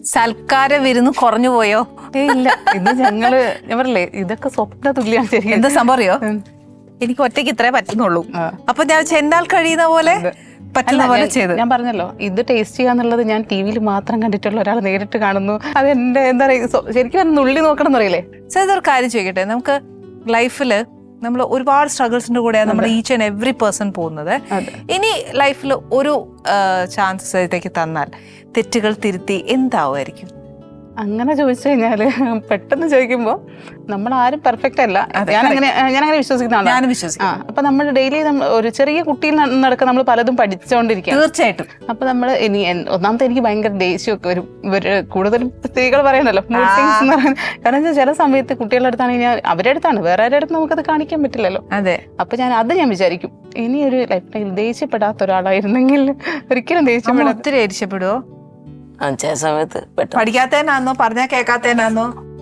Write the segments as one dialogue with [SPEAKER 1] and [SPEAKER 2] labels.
[SPEAKER 1] സൽക്കാര വിരുന്ന് കുറഞ്ഞു പോയോ?
[SPEAKER 2] ഇല്ല, ഇത് ഞങ്ങള് ഞാൻ പറയില്ലേ, ഇതൊക്കെ സ്വപ്ന തുല്യാണ്. ശരി,
[SPEAKER 1] എന്താ സംഭവം അറിയോ? എനിക്ക് ഒറ്റയ്ക്ക് ഇത്രേ പറ്റുന്നുള്ളൂ. അപ്പൊ ഞാൻ ചെന്നാൽ കഴിയുന്ന പോലെ പറ്റുന്ന പോലെ ചെയ്ത്.
[SPEAKER 2] ഞാൻ പറഞ്ഞല്ലോ, ഇത് ടേസ്റ്റ് ചെയ്യാന്നുള്ളത് ഞാൻ ടി വിയിൽ മാത്രം കണ്ടിട്ടുള്ള ഒരാൾ നേരിട്ട് കാണുന്നു. അത് എന്റെ എന്താ പറയുക, ശരിക്കും നുള്ളി നോക്കണം എന്നറിയില്ലേ.
[SPEAKER 1] സോ ഇതൊരു കാര്യം ചോദിക്കട്ടെ, നമുക്ക് ലൈഫില് നമ്മൾ ഒരുപാട് സ്ട്രഗിൾസിന്റെ കൂടെയാണ് നമ്മൾ ഈച്ച് ആൻഡ് എവറി പേഴ്സൺ പോകുന്നത്. ഇനി ലൈഫിൽ ഒരു ചാൻസ് സജിതയ്ക്ക് തന്നാൽ തെറ്റുകൾ തിരുത്തി എന്താവുമായിരിക്കും?
[SPEAKER 2] അങ്ങനെ ചോദിച്ചു കഴിഞ്ഞാല് പെട്ടെന്ന് ചോദിക്കുമ്പോ നമ്മൾ ആരും പെർഫെക്റ്റ് അല്ല. ഞാനങ്ങനെ വിശ്വസിക്കുന്നതാണ്. അപ്പൊ നമ്മൾ ഡെയിലി ഒരു ചെറിയ കുട്ടിയിൽ നടക്കുക നമ്മൾ പലതും പഠിച്ചുകൊണ്ടിരിക്കുക.
[SPEAKER 1] തീർച്ചയായിട്ടും.
[SPEAKER 2] അപ്പൊ നമ്മൾ ഇനി ഒന്നാമത്തെ എനിക്ക് ഭയങ്കര ദേഷ്യമൊക്കെ വരും. കൂടുതലും സ്ത്രീകൾ പറയണല്ലോ മൂഡ് സ്വിങ്സ് എന്ന് പറയുന്നത്. കാരണം ചില സമയത്ത് കുട്ടികളുടെ അടുത്താണെങ്കിൽ അവരുടെ അടുത്താണ്, വേറെ ആരുടെ അടുത്ത് നമുക്കത് കാണിക്കാൻ പറ്റില്ലല്ലോ.
[SPEAKER 1] അതെ.
[SPEAKER 2] അപ്പൊ ഞാൻ വിചാരിക്കും, ഇനി ഒരു ലൈഫ് ടൈമിൽ ദേഷ്യപ്പെടാത്ത ഒരാളായിരുന്നെങ്കിൽ. ഒരിക്കലും ദേഷ്യപ്പെടാത്ത.
[SPEAKER 1] ഒത്തിരി ദേഷ്യപ്പെടുവോ?
[SPEAKER 3] ചില സമയത്ത്
[SPEAKER 1] പഠിക്കാത്തതിനാന്നോ പറഞ്ഞാ കേൾക്കാത്തതിനാന്നോ?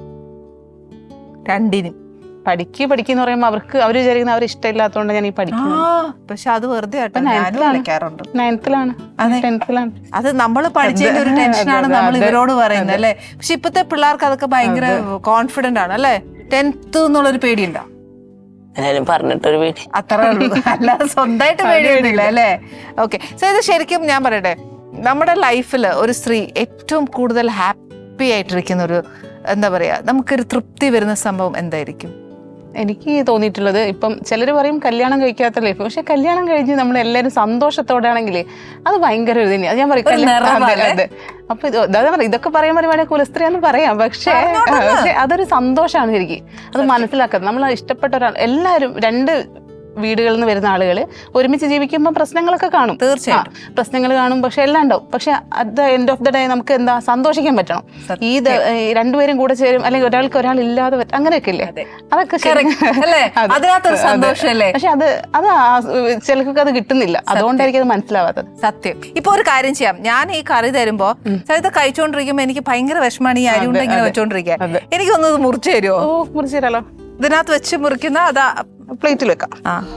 [SPEAKER 1] രണ്ടിനും.
[SPEAKER 2] പഠിക്കുന്ന പറയുമ്പോ അവര് വിചാരിക്കുന്ന അവർ ഇഷ്ടമില്ലാത്തതുകൊണ്ട് ഞാൻ ഈ പഠിക്കുന്നു.
[SPEAKER 1] പക്ഷെ അത് വെറുതെ വിളിക്കാറുണ്ട്.
[SPEAKER 2] 9th-ലാണ്.
[SPEAKER 1] അത് നമ്മൾ പഠിച്ചതിന്റെ ഒരു ടെൻഷനാണ് നമ്മൾ ഇവരോട് പറയുന്നത് അല്ലെ. പക്ഷെ ഇപ്പത്തെ പിള്ളേർക്ക് അതൊക്കെ ഭയങ്കര കോൺഫിഡന്റ് ആണ് അല്ലെ. 10th എന്നുള്ളൊരു പേടിയുണ്ടോ?
[SPEAKER 3] എല്ലാരും പറഞ്ഞിട്ടൊരു പേടി,
[SPEAKER 1] അത്രേ ഉള്ളൂ. അല്ലാതെ സ്വന്തമായിട്ട് പേടിയൊന്നുമില്ല അല്ലേ. ഓക്കെ. സോ ഇത് ശരിക്കും ഞാൻ പറയട്ടെ, നമ്മുടെ ലൈഫിൽ ഒരു സ്ത്രീ ഏറ്റവും കൂടുതൽ ഹാപ്പി ആയിട്ടിരിക്കുന്ന ഒരു എന്താ പറയാ, നമുക്കൊരു തൃപ്തി വരുന്ന സംഭവം എന്തായിരിക്കും?
[SPEAKER 2] എനിക്ക് തോന്നിയിട്ടുള്ളത്, ഇപ്പം ചിലർ പറയും കല്യാണം കഴിക്കാത്ത ലൈഫ്, പക്ഷെ കല്യാണം കഴിഞ്ഞ് നമ്മൾ എല്ലാവരും സന്തോഷത്തോടെ ആണെങ്കിൽ അത് ഭയങ്കര ഒരു തന്നെയാണ്. ഞാൻ പറയും അപ്പൊ ഇതൊക്കെ പറയാൻ പറയുവാണെങ്കിൽ കുലസ്ത്രീയാന്ന് പറയാം, പക്ഷേ അതൊരു സന്തോഷമാണ് ശരിക്കും. അത് മനസ്സിലാക്കുന്നത് നമ്മൾ ഇഷ്ടപ്പെട്ട ഒരാൾ, എല്ലാവരും രണ്ട് വീടുകളിൽ നിന്ന് വരുന്ന ആളുകൾ ഒരുമിച്ച് ജീവിക്കുമ്പോൾ പ്രശ്നങ്ങളൊക്കെ കാണും.
[SPEAKER 1] തീർച്ചയായും
[SPEAKER 2] പ്രശ്നങ്ങൾ കാണും, പക്ഷെ എല്ലാം ഉണ്ടാവും. പക്ഷെ at the end of the day നമുക്ക് എന്താ സന്തോഷിക്കാൻ പറ്റണം. രണ്ടുപേരും കൂടെ ചേരും, അല്ലെങ്കിൽ ഒരാൾക്ക് ഒരാൾ ഇല്ലാതെ അങ്ങനെയൊക്കെ ഇല്ലേ, അതൊക്കെ
[SPEAKER 1] സന്തോഷല്ലേ.
[SPEAKER 2] പക്ഷെ അത് ചിലർക്ക് അത് കിട്ടുന്നില്ല, അതുകൊണ്ടായിരിക്കും അത് മനസ്സിലാവാത്തത്.
[SPEAKER 1] സത്യം. ഇപ്പൊ ഒരു കാര്യം ചെയ്യാം, ഞാൻ ഈ കറി തരുമ്പോ ഇത് കഴിച്ചോണ്ടിരിക്കുമ്പോ എനിക്ക് ഭയങ്കര വിഷമാണ് ഈ അരി കൊണ്ട് ഇങ്ങനെ വെച്ചോണ്ടിരിക്കാൻ. എനിക്കൊന്നത് മുറിച്ചു തരുമോ?
[SPEAKER 2] മുറിച്ചു തരാലോ.
[SPEAKER 1] ഇതിനകത്ത് വെച്ച് മുറിക്കുന്ന അതാ
[SPEAKER 2] പ്ലേറ്റിൽ വെക്കാം.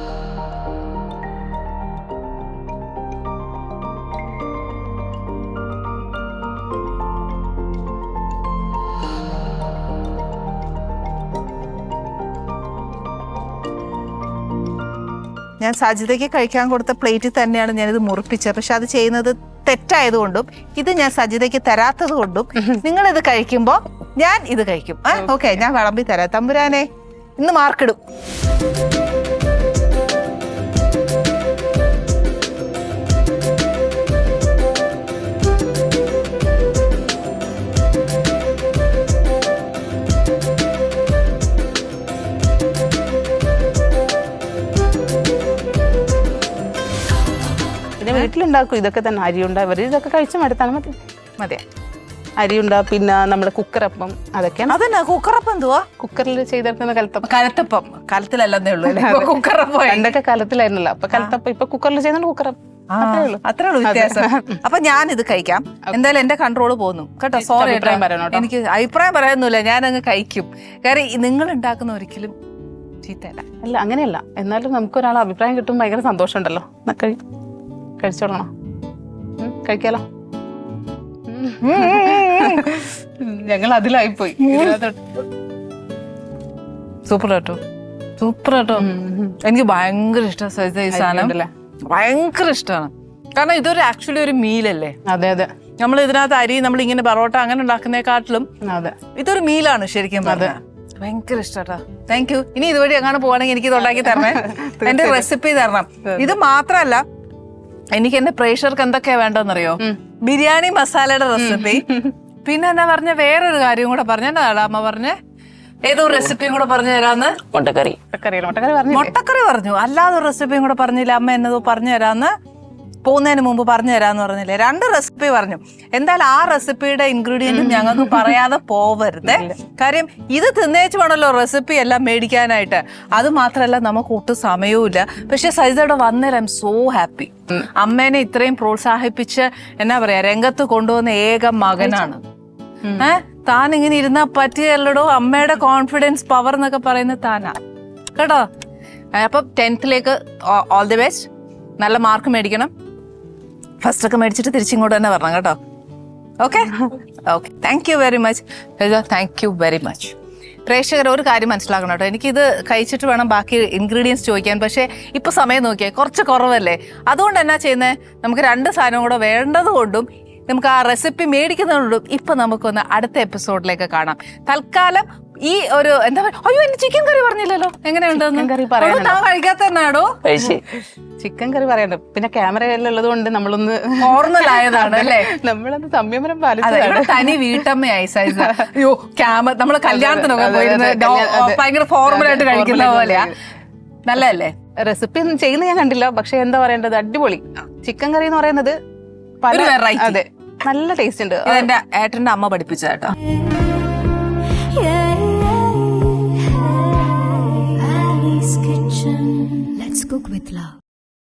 [SPEAKER 1] ഞാൻ സജിതയ്ക്ക് കഴിക്കാൻ കൊടുത്ത പ്ലേറ്റിൽ തന്നെയാണ് ഞാനിത് മുറിപ്പിച്ചത്. പക്ഷെ അത് ചെയ്യുന്നത് തെറ്റായതുകൊണ്ടും ഇത് ഞാൻ സജിതയ്ക്ക് തരാത്തത് കൊണ്ടും നിങ്ങളിത് കഴിക്കുമ്പോ ഞാൻ ഇത് കഴിക്കും. ഓക്കെ, ഞാൻ വിളമ്പി തരാം. തമ്പുരാനെ, ഇന്ന് മാർക്കിടും.
[SPEAKER 2] പിന്നെ വീട്ടിലുണ്ടാക്കും ഇതൊക്കെ തന്നെ. അരി ഉണ്ടാവും, ഇതൊക്കെ കഴിച്ചു മടുത്താൽ മതി. അരിയുണ്ട, പിന്നെ നമ്മുടെ കുക്കറപ്പം, അതൊക്കെയാണ്.
[SPEAKER 1] അതന്നെ കുക്കറപ്പം. എന്തുവാ
[SPEAKER 2] കുക്കറിൽ ചെയ്തെടുക്കുന്ന
[SPEAKER 1] കലത്തപ്പം? കലത്തിലല്ലേ ഉള്ളൂ, കുക്കറപ്പം.
[SPEAKER 2] പണ്ടൊക്കെ കലത്തിലായിരുന്നല്ലോ, അപ്പൊ കലത്തപ്പം. ഇപ്പൊ കുക്കറിൽ ചെയ്യുന്നുണ്ട് കുക്കറപ്പം.
[SPEAKER 1] അത്രേ ഉള്ളൂ വ്യത്യാസം. അപ്പൊ ഞാൻ ഇത് കഴിക്കാം. എന്തായാലും എന്റെ കൺട്രോൾ പോകുന്നു കേട്ടോ. സോറി, എനിക്ക് അഭിപ്രായം പറയാനൊന്നുമില്ല, ഞാൻ അങ്ങ് കഴിക്കും. കാര്യം നിങ്ങൾ ഉണ്ടാക്കുന്ന ഒരിക്കലും ചീത്തല്ല.
[SPEAKER 2] അല്ല, അങ്ങനെയല്ല. എന്നാലും നമുക്കൊരാൾ അഭിപ്രായം കിട്ടുമ്പോൾ ഭയങ്കര സന്തോഷമുണ്ടല്ലോ. കഴിച്ചോളണോ? കഴിക്കാലോ. ഞങ്ങൾ അതിലായിപ്പോയി.
[SPEAKER 1] സൂപ്പർ കേട്ടോ, സൂപ്പർ കേട്ടോ. എനിക്ക് ഭയങ്കര ഇഷ്ടമാണ് സജിത ഈ സാധനം, ഭയങ്കര ഇഷ്ടമാണ്. കാരണം ഇതൊരു ആക്ച്വലി ഒരു മീലല്ലേ.
[SPEAKER 2] അതെ അതെ.
[SPEAKER 1] നമ്മൾ ഇതിനകത്ത് അരി നമ്മൾ ഇങ്ങനെ പൊറോട്ട അങ്ങനെ ഉണ്ടാക്കുന്നതിനെക്കാട്ടിലും ഇതൊരു മീലാണ് ശരിക്കും പറഞ്ഞാൽ. ഭയങ്കര ഇഷ്ടാ. Thank you. ഇനി ഇതുവഴി എങ്ങാണ് പോവാണെങ്കിൽ എനിക്ക് ഇത് ഉണ്ടാക്കി തരണേ, എന്റെ റെസിപ്പി തരണം. ഇത് മാത്രല്ല, എനിക്ക് എന്റെ പ്രേക്ഷകർക്ക് എന്തൊക്കെയാ വേണ്ടെന്നറിയോ? ബിരിയാണി മസാലയുടെ റെസിപ്പി, പിന്നെ എന്താ പറഞ്ഞ വേറൊരു കാര്യം കൂടെ പറഞ്ഞ, എന്നതാടാ അമ്മ പറഞ്ഞ ഏതോ റെസിപ്പിയും കൂടെ പറഞ്ഞു തരാന്ന്. മുട്ടക്കറി പറഞ്ഞു. അല്ലാതെ ഒരു റെസിപ്പിയും കൂടെ പറഞ്ഞില്ല അമ്മ, എന്നതോ പറഞ്ഞു തരാന്ന്. പോകുന്നതിന് മുമ്പ് പറഞ്ഞു തരാന്ന് പറഞ്ഞില്ലേ. 2 റെസിപ്പി പറഞ്ഞു. എന്തായാലും ആ റെസിപ്പിയുടെ ഇൻഗ്രീഡിയന്റും ഞങ്ങൾക്ക് പറയാതെ പോവരുത്. കാര്യം ഇത് തിന്നേച്ച് വേണമല്ലോ റെസിപ്പി എല്ലാം മേടിക്കാനായിട്ട്. അത് മാത്രമല്ല നമുക്ക് ഒട്ടും സമയവും ഇല്ല. പക്ഷെ സജിതയുടെ വന്നേരം ഐ എം സോ ഹാപ്പി. അമ്മേനെ ഇത്രയും പ്രോത്സാഹിപ്പിച്ച് എന്നാ പറയാ രംഗത്ത് കൊണ്ടുവന്ന ഏക മകനാണ്. താൻ ഇങ്ങനെ ഇരുന്നാ പറ്റിയല്ലടോ. അമ്മയുടെ കോൺഫിഡൻസ് പവർ എന്നൊക്കെ പറയുന്നത് താനാ കേട്ടോ. അപ്പം 10th ഓൾ ദി ബെസ്റ്റ്. നല്ല മാർക്ക് മേടിക്കണം. ഫസ്റ്റ് ഒക്കെ മേടിച്ചിട്ട് തിരിച്ചിങ്ങോട്ട് തന്നെ വരണം കേട്ടോ. Okay okay, thank you very much. Thank you very much. പ്രേക്ഷകർ ഒരു കാര്യം മനസ്സിലാക്കണം കേട്ടോ, എനിക്കിത് കഴിച്ചിട്ട് വേണം ബാക്കി ഇൻഗ്രീഡിയൻസ് ചോദിക്കാൻ. പക്ഷേ ഇപ്പൊ സമയം നോക്കിയാൽ കുറച്ച് കുറവല്ലേ, അതുകൊണ്ട് എന്നാ ചെയ്യുന്നത്, നമുക്ക് 2 സാധനം കൂടെ വേണ്ടത് കൊണ്ടും നമുക്ക് ആ റെസിപ്പി മേടിക്കുന്നതുകൊണ്ടും ഇപ്പൊ നമുക്കൊന്ന് അടുത്ത എപ്പിസോഡിലേക്ക് കാണാം. തൽക്കാലം ഈ ഒരു എന്താ പറയുക, അയ്യോ എന്റെ ചിക്കൻ കറി പറഞ്ഞില്ലല്ലോ, എങ്ങനെയുണ്ടെന്ന്
[SPEAKER 2] കറി പറയാനുണ്ടോ?
[SPEAKER 1] താൻ കഴിക്കാത്ത തന്നെയാണോ?
[SPEAKER 3] കഴിച്ച്
[SPEAKER 2] ചിക്കൻ കറി പറയണ്ട, പിന്നെ ക്യാമറയിലുള്ളത് കൊണ്ട് നമ്മളൊന്ന്
[SPEAKER 1] നോർമൽ ആയതാണ് അല്ലേ,
[SPEAKER 2] നമ്മളത് സംയമനം
[SPEAKER 1] അതെ,
[SPEAKER 2] പാലിച്ചതാണ്.
[SPEAKER 1] ഇവിടെ തനി വീട്ടമ്മയായി സൈസ. അയ്യോ ക്യാമറ, നമ്മള് കല്യാണത്തിനൊക്കെ
[SPEAKER 2] അതെ,
[SPEAKER 1] പോയിരുന്ന്
[SPEAKER 2] അതെ, അതെ.
[SPEAKER 1] ഭയങ്കര ഫോർമലായിട്ട് കഴിക്കുന്ന പോലെയാ. നല്ലതല്ലേ?
[SPEAKER 2] റെസിപ്പി ഒന്നും ചെയ്യുന്ന ഞാൻ കണ്ടില്ല, പക്ഷെ എന്താ പറയേണ്ടത്, അടിപൊളി ചിക്കൻ കറി എന്ന് പറയുന്നത്
[SPEAKER 1] ഒരു variety.
[SPEAKER 2] അതെ, നല്ല ടേസ്റ്റ് ഉണ്ട്.
[SPEAKER 1] ഇതെന്റെ ഏട്ടന്റെ അമ്മ പഠിപ്പിച്ച കേട്ടോ.
[SPEAKER 4] Ali's Kitchen. Let's cook with love.